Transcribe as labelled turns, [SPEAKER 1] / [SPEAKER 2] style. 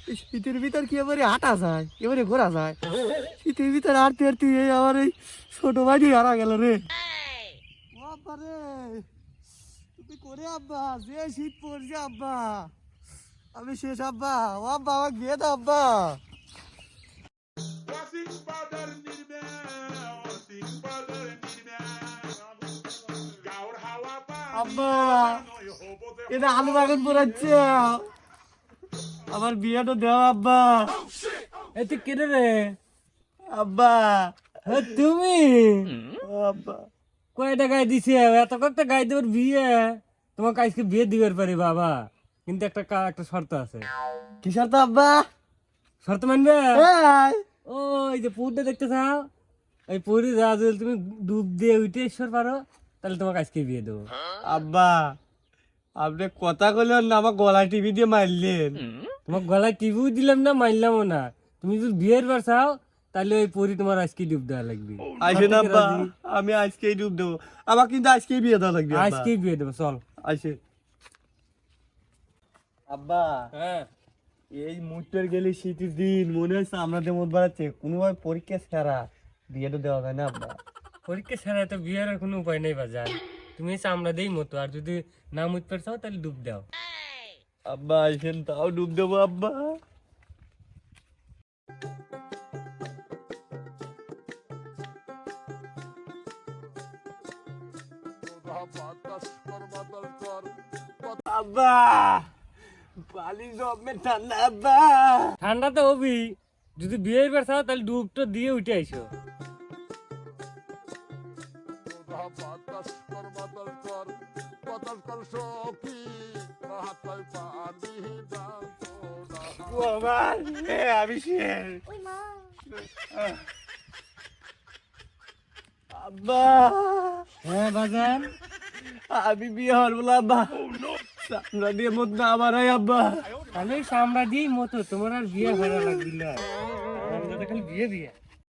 [SPEAKER 1] শীতের ভিতর কি এবারে হাঁটা যায়, এবারে ঘোরা যায়? শীতের ভিতর হাঁটতে হাঁটতে আমার এই ছোট ভাই হারা গেল রে। ও আব্বা রে, তুমি করে আব্বা, যে শীত পড়ছে আব্বা, আমি শেষ আব্বা। ও আব্বা আমাকে দিয়ে দাও আব্বা। আব্বা এটা আলু বাগান পড়াচ্ছে, আমার বিয়েটা দেওয়া আব্বা।
[SPEAKER 2] এই তুই কেটে রে
[SPEAKER 1] আব্বা
[SPEAKER 2] তুমি
[SPEAKER 1] ও আব্বা,
[SPEAKER 2] কয়টা গাই দিছে? এত কয়েকটা গাই দেওয়ার বিয়ে, তোমাকে আজকে বিয়ে দিবার পারি বাবা, কিন্তু একটা শর্ত আছে।
[SPEAKER 1] কি শর্ত আব্বা?
[SPEAKER 2] শর্ত মানবে?
[SPEAKER 1] এই,
[SPEAKER 2] ওই যে পুরটা দেখতে চাও, এই পুরি যা যদি তুমি ডুব দিয়ে উঠে এসর পারো, তাহলে তোমাকে আজকে বিয়ে দেবো।
[SPEAKER 1] আব্বা আপনি কথা কইলেন না, আমার গলায় টিভি দিয়ে মারলেন।
[SPEAKER 2] তোমার গলায় টিভিও দিলাম না, মারলামও না। তুমি যদি বিয়ের বার চাও, তাহলে ওই পরি তোমার আজকে ডুব দেওয়া লাগবে।
[SPEAKER 1] আসেন আব্বা, আমি আজকেই ডুব দেবো। আমার কিন্তু আজকেই বিয়ে দেওয়া লাগবে আব্বা।
[SPEAKER 2] আজকেই বিয়ে দেবো, চল।
[SPEAKER 1] আসে আব্বা।
[SPEAKER 2] হ্যাঁ,
[SPEAKER 1] এই মুহূর্তের গেলে শীতের দিন মনে হচ্ছে আমাদের মত বাড়াচ্ছে, কোনোভাবে পরীক্ষা ছাড়া বিয়েটা দেওয়া যায় না আব্বা।
[SPEAKER 2] পরীক্ষা ছাড়া তো বিয়ের আর কোনো উপায় নেই বাজার। তুমি চামড়া দেই মতো, আর যদি না মুততে চাও তাহলে ডুব দাও।
[SPEAKER 1] আব্বা আসেন, তাও ডুব দেবো আব্বা। আব্বা পানি জমে ঠান্ডা আব্বা।
[SPEAKER 2] ঠান্ডা তো হবি, যদি বিয়ের বার চাও তাহলে ডুবটা দিয়ে উঠে আইসো।
[SPEAKER 1] আমি শেষ আব্বা।
[SPEAKER 2] হ্যাঁ বাজান,
[SPEAKER 1] আমি বিয়ে হল না আব্বা, চামড়া দিয়ে মত না আমার আব্বা।
[SPEAKER 2] আমি চামড়া দিই মতো, তোমার আর বিয়ে ভালো লাগছিল, খালি বিয়ে বিয়ে।